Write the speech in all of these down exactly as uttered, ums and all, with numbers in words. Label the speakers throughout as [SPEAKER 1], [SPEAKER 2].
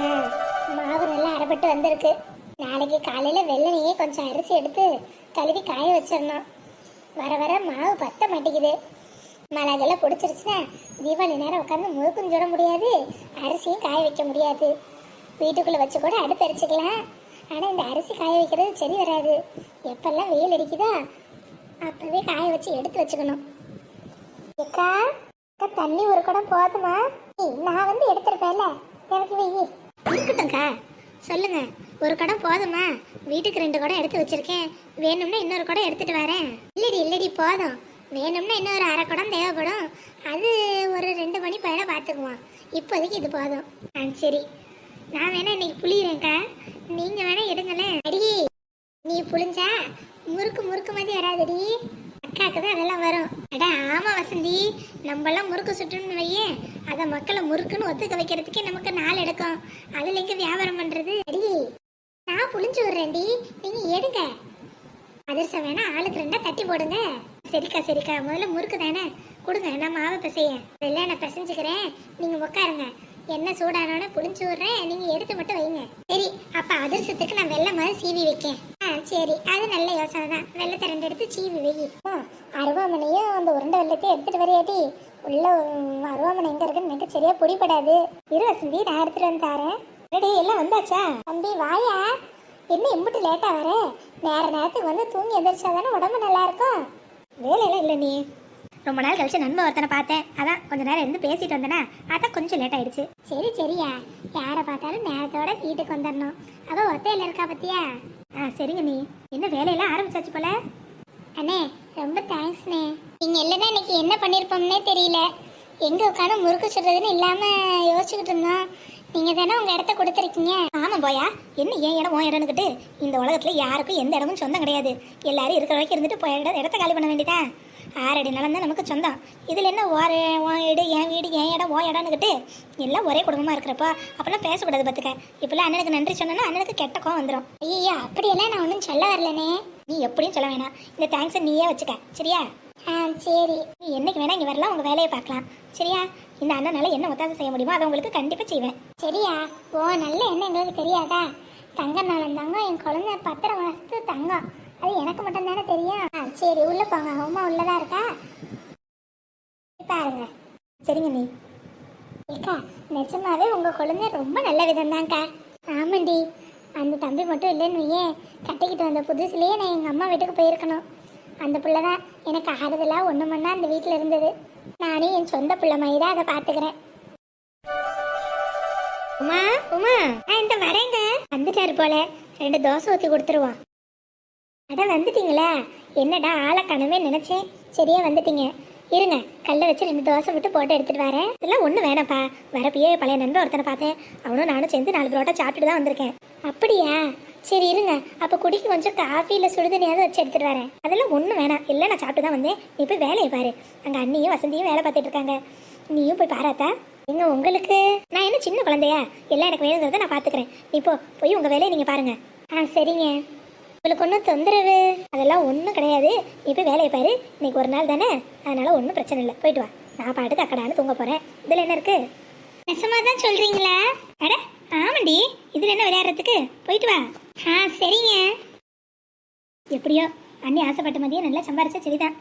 [SPEAKER 1] ஆ, மாவு நல்லா அரைப்பட்டு வந்திருக்கு. நாளைக்கு காலையில் வெள்ளனையே கொஞ்சம் அரிசி எடுத்து கழுவி காய வச்சிடணும். வர வர மாவு பத்த மாட்டேங்குது. மழைகெல்லாம் பிடிச்சிருச்சுன்னா தீபாவளி நேரம் உட்காந்து முழுக்கும் சுட முடியாது, அரிசியும் காய வைக்க முடியாது. வீட்டுக்குள்ளே வச்சு கூட அடுப்பு எரிச்சிக்கலாம். ஆனால் இந்த அரிசி காய வைக்கிறது சரி வராது. எப்பெல்லாம் வெயில் அடிக்குதோ அப்போவே காய வச்சு எடுத்து வச்சுக்கணும். அக்கா அக்கா தண்ணி ஒரு குடம் போதுமா? நான் வந்து எடுத்துருப்பேன்ல, எனக்கு வெயி இருக்கட்டும்க்கா. சொல்லுங்க, ஒரு குடம் போதுமா? வீட்டுக்கு ரெண்டு குடம் எடுத்து வச்சிருக்கேன், வேணும்னா இன்னொரு குடம் எடுத்துட்டு வரேன். இல்லடி இல்லடி போதும், வேணும்னா இன்னொரு அரை குடம் தேவைப்படும். அது ஒரு ரெண்டு மணி பையனை பார்த்துக்குவோம். இப்போதைக்கு இது போதும். ஆ சரி, நான் வேணா இன்னைக்கு புளியிறேன்க்கா, நீங்க வேணா எடுங்களேன். அடி நீ புளிஞ்சா முறுக்கு முறுக்கு மாதிரி வராதடி, அக்காவுக்கு தான் அதெல்லாம் வரும். அடா ஆமா வசந்தி, நம்மளாம் முறுக்கு சுட்டணும்னு வையே, அதை மக்களை முறுக்குன்னு ஒத்துக்க வைக்கிறதுக்கே நமக்கு நாள் எடுக்கும். அதுல எங்க வியாபாரம் பண்றது? அடி நான் புளிஞ்சு விடுறேன்டி, நீங்க எடுங்க. அதிர்ஷ்டம் வேணா ஆளுக்கு ரெண்டா தட்டி போடுங்க. சரிக்கா சரிக்கா, முதல்ல முறுக்கு தானே கொடுங்க, நான் மாவை பிசைய இல்லை, நான் பிசைஞ்சுக்கிறேன். நீங்க உட்காருங்க, என்ன சூடானோட புளிஞ்சு விடுறேன், நீங்க எடுத்து மட்டும் வைங்க. சரி, அப்ப அதிர்ஷ்டத்துக்கு நான் வெள்ளை மாதிரி சீவி வைக்கேன். ஆ சரி, அது நல்ல யோசனை தான். வெள்ளத்தை ரெண்டு எடுத்து சீவி வை. அருவாமனையும் அந்த உருண்டை வெள்ளத்தையும் எடுத்துட்டு வரையாட்டி, உள்ள அருவாமனை எங்க இருக்குன்னு எனக்கு சரியா பிடிபடாது. இரு வசந்தி, நான் எடுத்துட்டு வந்து தாரேன். ரெடி எல்லாம் வந்தாச்சா? தம்பி வாயா, என்ன இம்புட்டு லேட்டா வர? நேர நேரத்துக்கு வந்து தூங்கி எந்திரிச்சா தானே உடம்பு நல்லா இருக்கும். வேலையெல்லாம் இல்லை, நீ ரொம்ப நாள் கழிச்சு நண்பன் ஒருத்தனை பார்த்தேன், அதான் கொஞ்ச நேரம் இருந்து பேசிட்டு வந்தேனா, அதான் கொஞ்சம் லேட் ஆயிடுச்சு. சரி சரியா, யாரை பார்த்தாலும் நேரத்தோட வீட்டுக்கு வந்துடணும். அவ ஒத்தையில இருக்கா பத்தியா? ஆ சரிங்க. நீ என்ன வேலையெல்லாம் ஆரம்பிச்சாச்சு போல? அண்ணே ரொம்ப தேங்க்ஸ்ண்ணே. நீங்க இல்லைன்னா இன்னைக்கு என்ன பண்ணிருப்போம்னே தெரியல. எங்க உட்காந்து முறுக்கு சுடுறதுன்னு இல்லாம யோசிச்சுக்கிட்டு இருந்தோம். நீங்க தானே உங்க இடத்த கொடுத்துருக்கீங்க. ஆமா போயா, என்ன ஏன் இடம் உன் இடம்னுக்கிட்டு இந்த உலகத்துல யாருக்கும் எந்த இடமும் சொந்தம் கிடையாது. எல்லாரும் இருக்கிற வரைக்கும் இருந்துட்டு போய் இடத்த காலி பண்ண வேண்டியதா? ஆறடி நிலம் தான் நமக்கு சொந்தம். இதில் என்ன ஓர உன் வீடு என் வீடு என் இடம் ஓ இடம்னுக்கிட்டு எல்லாம் ஒரே குடும்பமாக இருக்கிறப்போ அப்போல்லாம் பேசக்கூடாது பார்த்துக்க. இப்போல்லாம் அண்ணனுக்கு நன்றி சொன்னா அண்ணனுக்கு கெட்ட கோவம் வந்துடும். ஐயோ அப்படியெல்லாம் நான் ஒன்றும் சொல்ல வரலனே. நீ எப்படியும் சொல்ல வேணாம், இந்த தேங்க்ஸை நீயே வச்சுக்க சரியா? ஆ சரி, நீ என்னைக்கு வேணா இங்கே வரலாம், உங்கள் வேலையை பார்க்கலாம் சரியா? இந்த அண்ணனால என்ன ஒத்தாசை செய்ய முடியுமோ அதை உங்களுக்கு கண்டிப்பாக செய்வேன் சரியா? ஓ நல்ல என்ன எங்களுக்கு தெரியாதா? தங்க நாளம் தங்கம், என் குழந்தை பத்திர மாசத்து தங்கம், அது எனக்கு மட்டும் தானே தெரியும். ஆ சரி, உள்ள போங்க, அம்மா உள்ளதா இருக்கா பாருங்க. சரிங்க. நீ ஏக்கா நிஜமாவே உங்க குழந்தை ரொம்ப நல்ல விதம் தான்க்கா. ஆமாண்டி, அந்த தம்பி மட்டும் இல்லைன்னு ஏன் கட்டிக்கிட்டு வந்த புதுசுலேயே நான் எங்கள் அம்மா வீட்டுக்கு போயிருக்கணும். அந்த பிள்ளை தான் எனக்கு ஆறுதலாக ஒன்று மணி அந்த வீட்டில் இருந்தது. நானும் என் சொந்த பிள்ளை மாதிரி தான் அதை பார்த்துக்கிறேன். உமா உமா, நான் இந்த வரேங்க. வந்துட்டாரு போல, ரெண்டு தோசை ஊற்றி கொடுத்துருவோம். அட வந்துட்டீங்களா? என்னடா ஆளை கனவே நினைச்சேன், சரியா வந்துட்டீங்க. இருங்க, கல்லை வச்சு ரெண்டு தோசை விட்டு போட்டு எடுத்துட்டு வரேன். இதெல்லாம் ஒன்றும் வேணாப்பா, வரப்பயே பழைய நண்பர் ஒருத்தனை பார்த்தேன், அவனும் நானும் சேர்ந்து நாலு புரோட்டா சாப்பிட்டுட்டு தான் வந்திருக்கேன். அப்படியா? சரி இருங்க, அப்போ குடிக்கு கொஞ்சம் காஃபி இல்லை சுடுதண்ணியாவது வச்சு எடுத்துட்டு வரேன். அதெல்லாம் ஒன்றும் வேணாம், இல்லை நான் சாப்பிட்டு தான் வந்தேன். நீ போய் வேலையை பாரு, அங்கே அண்ணியும் வசந்தியும் வேலை பார்த்துட்டு இருக்காங்க, நீயும் போய் பாராத்தா. எங்க உங்களுக்கு நான் என்ன சின்ன குழந்தையா? எல்லாம் எனக்கு வேணுங்கிறத நான் பார்த்துக்கிறேன். நீ போ, போய் உங்கள் வேலையை நீங்கள் பாருங்க. ஆ சரிங்க. உங்களுக்கு ஒன்றும் தொந்தரவு அதெல்லாம் ஒன்றும் கிடையாது. நீ போய் வேலையை பாரு, இன்னைக்கு ஒரு நாள் தானே, அதனால ஒன்றும் பிரச்சனை இல்லை, போயிட்டு வா. நான் பாட்டுக்கு அக்கடான்னு தூங்க போகிறேன். இதில் என்ன இருக்கு? நெசமாக தான் சொல்கிறீங்களா? அட ஆமாண்டி, இதில் என்ன விளையாடுறதுக்கு, போயிட்டு வா. ஆ சரிங்க. எப்படியோ அண்ணி ஆசைப்பட்ட மதியம் நல்லா சம்பாரிச்சா சரிதான்.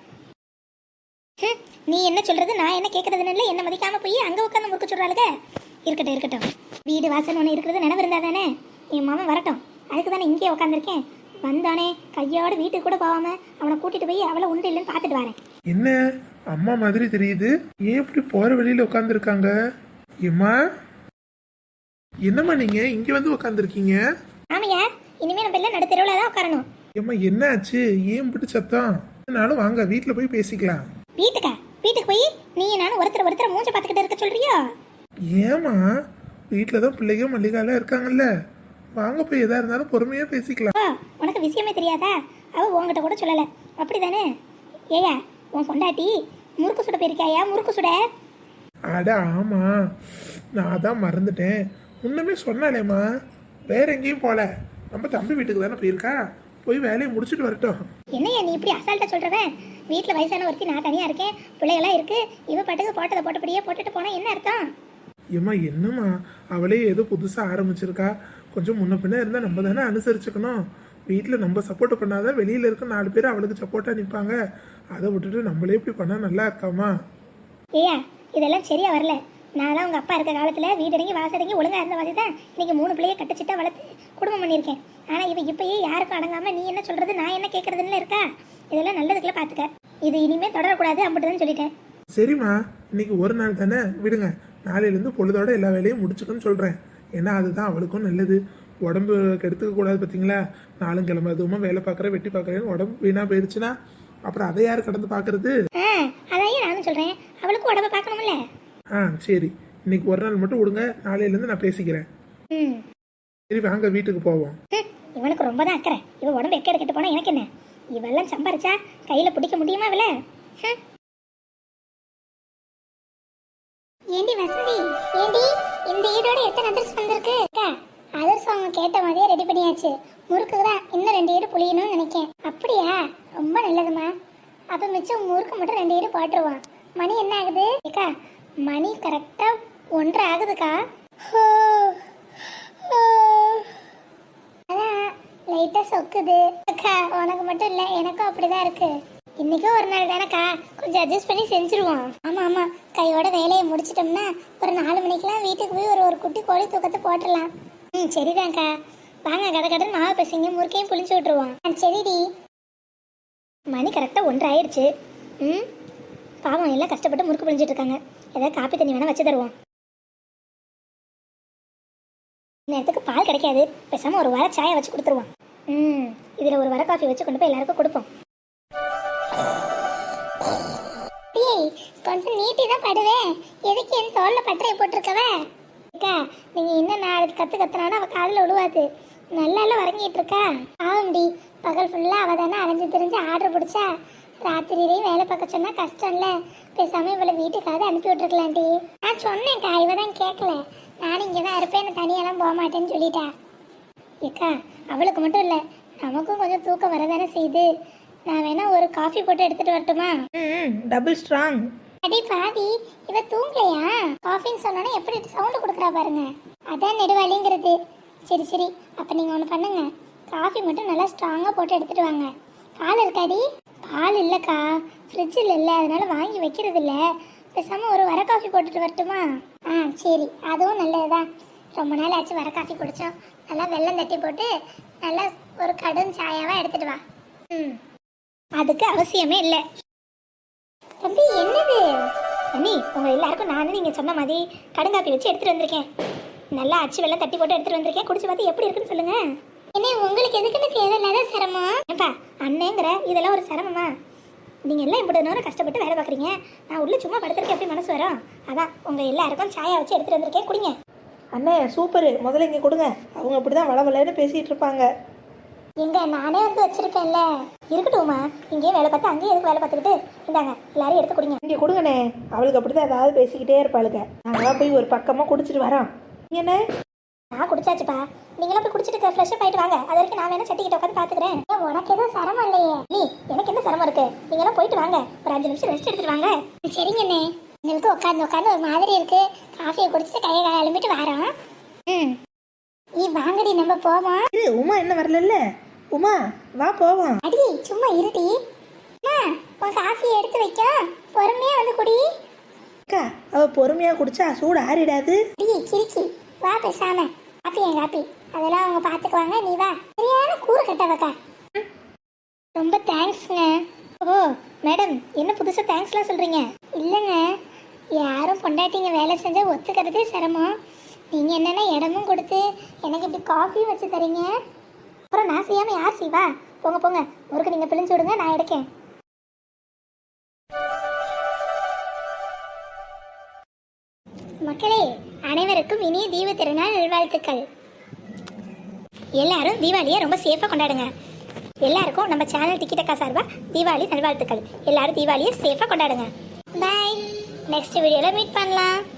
[SPEAKER 1] நீ என்ன சொல்கிறது நான் என்ன கேட்குறதுன்னு இல்லை, என்ன மதிக்காமல் போய் அங்கே உட்காந்து முறுக்க சொல்கிறாளுங்க. இருக்கட்டும் இருக்கட்டும், வீடு வாசல் ஒன்று இருக்கிறது நினைவு இருந்தா தானே. என் மாமன் வரட்டும், அதுக்கு தானே இங்கேயே உட்காந்துருக்கேன். வந்தானே கையோட வீட்டுக்கு கூட போகாம அவனை கூட்டிட்டு போய் அவளை உண்டு இல்லைன்னு பார்த்துட்டு வரேன்.
[SPEAKER 2] என்ன அம்மா மாதிரி தெரியுது, ஏன் இப்படி போற வழியில உட்காந்துருக்காங்க? ஏம்மா என்னம்மா நீங்க இங்க வந்து உட்காந்துருக்கீங்க?
[SPEAKER 1] ஆமையா, இனிமே நம்ம எல்லாம் நடு தெருவுல தான் உட்காரணும்.
[SPEAKER 2] ஏம்மா என்ன ஆச்சு, ஏன் இப்படி சத்தம்? என்னாலும் வாங்க வீட்டுல போய் பேசிக்கலாம்.
[SPEAKER 1] வீட்டுக்கா? வீட்டுக்கு போய் நீ நானும் ஒருத்தர் ஒருத்தர் மூஞ்ச பார்த்துக்கிட்டு இருக்க சொல்றியோ?
[SPEAKER 2] ஏமா வீட்டுல தான் பிள்ளைங்க மல்லிகாலாம் இருக்காங்கல்ல, வாங்க போய் எதா இருந்தாலும் பொறுமையா பேசிக்கலாம்.
[SPEAKER 1] உனக்கு விஷயமே தெரியாதா? அவ உங்ககிட்ட கூட சொல்லல, அப்படிதானே? ஏயா உன் பொண்டாட்டி முறுக்கு சுட போயிருக்காயா? முறுக்கு சுட?
[SPEAKER 2] அட ஆமா, நான் தான் மறந்துட்டேன். முன்னமே சொன்னாலேம்மா, வேற எங்கேயும் போல, நம்ம தம்பி வீட்டுக்கு தானே போயிருக்கா, போய் வேலையை முடிச்சுட்டு வரட்டும்.
[SPEAKER 1] என்னையா நீ இப்படி அசால்ட்டா சொல்றவன்? வீட்டுல வயசான ஒருத்தி நான் தனியா இருக்கேன், பிள்ளைகளா இருக்கு, இவ பாட்டுக்கு போட்டதை போட்டபடியே போட்டுட்டு போனா என்ன அர்த்தம்?
[SPEAKER 2] ஏம்மா என்னம்மா அவளே ஏதோ புதுசாக ஆரம்பிச்சிருக்கா, கொஞ்சம் முன்ன பின்ன இருந்தால் நம்ம தானே அனுசரிச்சுக்கணும். வீட்டில் நம்ம சப்போர்ட் பண்ணாதான் வெளியில் இருக்க நாலு பேர் அவளுக்கு சப்போர்ட்டாக நிற்பாங்க. அதை விட்டுட்டு நம்மளே இப்படி பண்ணால் நல்லா இருக்காமா?
[SPEAKER 1] ஏயா இதெல்லாம் சரியா வரல. நான்லாம் உங்கள் அப்பா இருக்க காலத்தில் வீடடங்கி வாசடங்கி ஒழுங்காக இருந்த மாதிரி தான் இன்னைக்கு மூணு பிள்ளைய கட்டுச்சிட்டா வளர்த்து குடும்பம் பண்ணியிருக்கேன். ஆனால் இவ இப்பயே யாருக்கும் அடங்காமல் நீ என்ன சொல்கிறது நான் என்ன கேட்குறதுன்னு இருக்கா. இதெல்லாம் நல்லதுக்குள்ள பார்த்துக்க. இது இனிமேல் தொடரக்கூடாது அப்படிதான் சொல்லிட்டேன்.
[SPEAKER 2] சரிம்மா, இன்னைக்கு ஒரு நாள் தானே விடுங்க. நாளையிலேருந்து பொழுதோட எல்லா வேலையும் முடிச்சுக்கன்னு சொல்கிறேன். ஏன்னா அதுதான் அவளுக்கும் நல்லது. உடம்பு கெடுத்துக்க கூடாது. பார்த்தீங்களா, நாளும் கிழமை அதுவுமா வேலை பார்க்குறேன் வெட்டி பார்க்குறேன்னு உடம்பு வீணாக போயிடுச்சுன்னா அப்புறம் அதை யார் கடந்து பார்க்கறது?
[SPEAKER 1] அதையும் நானும் சொல்கிறேன், அவளுக்கும் உடம்பை பார்க்கணும்ல.
[SPEAKER 2] ஆ சரி, இன்னைக்கு ஒரு நாள் மட்டும் விடுங்க, நாளையிலேருந்து நான் பேசிக்கிறேன்.
[SPEAKER 1] ம்
[SPEAKER 2] சரி வாங்க வீட்டுக்கு போவோம்.
[SPEAKER 1] இவனுக்கு ரொம்ப தான் அக்கறை. இவன் உடம்பு எக்கேடு கெட்டு போனால் எனக்கு என்ன? இவெல்லாம் சம்பாரிச்சா கையில் பிடிக்க முடியுமா இவள? ஏண்டி வசந்தி, ஏண்டி இந்த ஈடோட எத்தனை அதிர்ஸ் வந்திருக்கு? அதிர்ஸ் அவங்க கேட்ட மாதிரியே ரெடி பண்ணியாச்சு. முறுக்கு தான் இன்னும் ரெண்டு ஈடு புளியணும்னு நினைக்கேன். அப்படியா? ரொம்ப நல்லதுமா. அப்போ மிச்சம் முறுக்கு மட்டும் ரெண்டு ஈடு போட்டுருவான். மணி என்ன ஆகுது அக்கா? மணி கரெக்டாக ஒன்றரை ஆகுதுக்கா. அதான் லைட்டாக சொக்குது அக்கா. உனக்கு மட்டும் இல்லை, எனக்கும் அப்படிதான் இருக்கு. இன்னைக்கும் ஒரு நாள் தானேக்கா, கொஞ்சம் அட்ஜஸ்ட் பண்ணி செஞ்சுருவோம். ஆமாம் ஆமாம், கையோட வேலையை முடிச்சிட்டோம்னா ஒரு நாலு மணிக்கெலாம் வீட்டுக்கு போய் ஒரு ஒரு குட்டி கோழி தூக்கத்தை போட்டுடலாம். ம் சரிதான்க்கா. வாங்க கடை கடன் மாவு பசங்க முறுக்கையும் புளிச்சு விட்டுருவோம். ஆ சரிடி. மணி கரெக்டாக ஒன்றரை ஆயிடுச்சு. ம் பாவம் எல்லாம் கஷ்டப்பட்டு முறுக்கு புளிஞ்சிட்டு இருக்காங்க. ஏதாவது காப்பி தண்ணி வேணால் வச்சு தருவோம். நேரத்துக்கு பால் கிடைக்காது, பேசாமல் ஒரு வர சாயை வச்சு கொடுத்துருவோம். ம் இதில் ஒரு வர காஃபி வச்சு கொண்டு போய் எல்லாருக்கும் கொடுப்போம். கொஞ்சம் நீட்டி தான் படுவேன், எதுக்கு என் தோல்ல பட்டறையை போட்டிருக்கவ? அக்கா நீங்கள் இன்னும் நாளைக்கு கற்று கத்துனாலும் அவள் காதில் விழுவாது. நல்லா வரங்கிட்டு இருக்கா. ஆகும்டி, பகல் ஃபுல்லாக அவள் தானே அலைஞ்சு தெரிஞ்சு ஆர்டர் பிடிச்சா. ராத்திரியிலையும் வேலை பார்க்க சொன்னால் கஷ்டம்ல, பேசாமல் இவளை வீட்டுக்காவது அனுப்பி விட்டுருக்கலாண்டி. நான் சொன்னேன்க்கா, இவ தான் கேட்கல. நானும் இங்கே தான் இருப்பேன், நான் தனியெல்லாம் போக மாட்டேன்னு சொல்லிட்டா. ஏக்கா அவளுக்கு மட்டும் இல்லை, நமக்கும் கொஞ்சம் தூக்கம் வரதானே செய்யுது. நான் வேணா ஒரு காஃபி போட்டு எடுத்துட்டு வரட்டுமா?
[SPEAKER 3] ம் டபுள் ஸ்ட்ராங்.
[SPEAKER 1] அடி பாதி, இவ தூங்கலையா? காஃபின்னு சொன்னோன்னே எப்படி சவுண்டு கொடுக்குறா பாருங்க. அதான் நெடுவாளிங்கிறது. சரி சரி, அப்போ நீங்கள் ஒன்று பண்ணுங்க, காஃபி மட்டும் நல்லா ஸ்ட்ராங்காக போட்டு எடுத்துட்டு வாங்க. பால் இருக்காடி? பால் இல்லைக்கா, ஃப்ரிட்ஜில் இல்லை, அதனால வாங்கி வைக்கிறது இல்லை. பேசாமல் ஒரு வர காஃபி போட்டுட்டு வரட்டுமா? ஆ சரி, அதுவும் நல்லதுதான். ரொம்ப நாள் ஆச்சு வர காஃபி குடித்தோம். நல்லா வெல்லம் தட்டி போட்டு நல்லா ஒரு கடும் சாயாவாக எடுத்துட்டு வா. ம் அதுக்கு அவசியமே இல்லை. தம்பி என்னது? தம்பி உங்கள் எல்லாருக்கும் நானும் நீங்கள் சொன்ன மாதிரி கடுங்காப்பி வச்சு எடுத்துகிட்டு வந்திருக்கேன். நல்லா அச்சு வெள்ளம் தட்டி போட்டு எடுத்துகிட்டு வந்திருக்கேன். குடிச்சு பார்த்து எப்படி இருக்குன்னு சொல்லுங்கள். என்ன உங்களுக்கு எதுக்குன்னு தேவையில்லாத சிரமம்? ஏப்பா அண்ணேங்கிற இதெல்லாம் ஒரு சிரமமா? நீங்கள் எல்லாம் இப்படி நேரம் கஷ்டப்பட்டு வேலை பார்க்குறீங்க, நான் உள்ள சும்மா படுத்துருக்கேன், எப்படி மனசு வரும்? அதான் உங்கள் எல்லாருக்கும் சாயா வச்சு எடுத்துகிட்டு வந்திருக்கேன், குடிங்க.
[SPEAKER 3] அண்ணே சூப்பரு, முதல்ல இங்கே கொடுங்க. அவங்க அப்படி தான் வள வளன்னு பேசிகிட்டு இருப்பாங்க.
[SPEAKER 1] எங்க நானே வந்து வச்சிருக்கேன்ல, இருக்கட்டும்மா. இங்கேயே வேலை பார்த்து அங்கேயே எதுக்கு வேலை பார்த்துக்கிட்டு? இந்தாங்க எல்லாரும் எடுத்து குடிங்க.
[SPEAKER 3] இங்கே கொடுங்கண்ணே, அவளுக்கு அப்படி தான் ஏதாவது பேசிக்கிட்டே இருப்பாளுங்க. நாங்களாம் போய் ஒரு பக்கமாக குடிச்சிட்டு வரோம். என்ன
[SPEAKER 1] நான் குடிச்சாச்சுப்பா, நீங்களும் போய் குடிச்சிட்டு ஃப்ரெஷ்ஷப் ஆகிட்டு வாங்க. அது வரைக்கும் நான் வேணா சட்டிக்கிட்ட உட்காந்து பார்த்துக்கிறேன். உனக்கு எதுவும் சிரமம் இல்லையே? நீ எனக்கு என்ன சிரமம் இருக்கு? நீங்களாம் போயிட்டு வாங்க, ஒரு அஞ்சு நிமிஷம் ரெஸ்ட் எடுத்துட்டு வாங்க. சரிங்கண்ணே. எங்களுக்கு உட்காந்து உட்காந்து ஒரு மாதிரி இருக்கு. காஃபியை குடிச்சிட்டு கையை காலை எழும்பிட்டு வரோம். ம் நீ வாங்கடி, நம்ம போவோம்.
[SPEAKER 3] இரு, உமா என்ன வரல? உமா வா போவோம்.
[SPEAKER 1] அடி சும்மா இருடி. அம்மா உன் காஃபியை எடுத்து வைக்க, பொறுமையா வந்து குடி.
[SPEAKER 3] அக்கா அவ பொறுமையாக குடிச்சா சூடு ஆறிடாது.
[SPEAKER 1] அடி கிறுக்கி வா, பேசாம. காப்பி என் காப்பி, அதெல்லாம் அவங்க பார்த்துக்குவாங்க, நீ வா. சரியான கூறு கட்டவக்கா. ரொம்ப தேங்க்ஸ்ங்க. ஓ மேடம், என்ன புதுசாக தேங்க்ஸ்லாம் சொல்கிறீங்க? இல்லைங்க, யாரும் பொண்டாட்டிங்க வேலை செஞ்சால் ஒத்துக்கிறதே சிரமம். நீங்கள் என்னென்ன இடமும் கொடுத்து எனக்கு இப்படி காஃபியும் வச்சு தரீங்க. அப்புறம் நான் செய்யாமல் யார் செய்வா? போங்க போங்க, முறுக்கு நீங்கள் பிழிஞ்சு விடுங்க, நான் எடுக்கேன். மக்களே அனைவருக்கும் இனிய தீப திருநாள் நல்வாழ்த்துக்கள். எல்லாரும் தீபாவளியை ரொம்ப சேஃபாக கொண்டாடுங்க. எல்லாருக்கும் நம்ம சேனல் டிக்கெட்டக்கா சார்பாக தீபாவளி நல்வாழ்த்துக்கள். எல்லாரும் தீபாவளியை சேஃபாக கொண்டாடுங்க. பாய். நெக்ஸ்ட் வீடியோவில் மீட் பண்ணலாம்.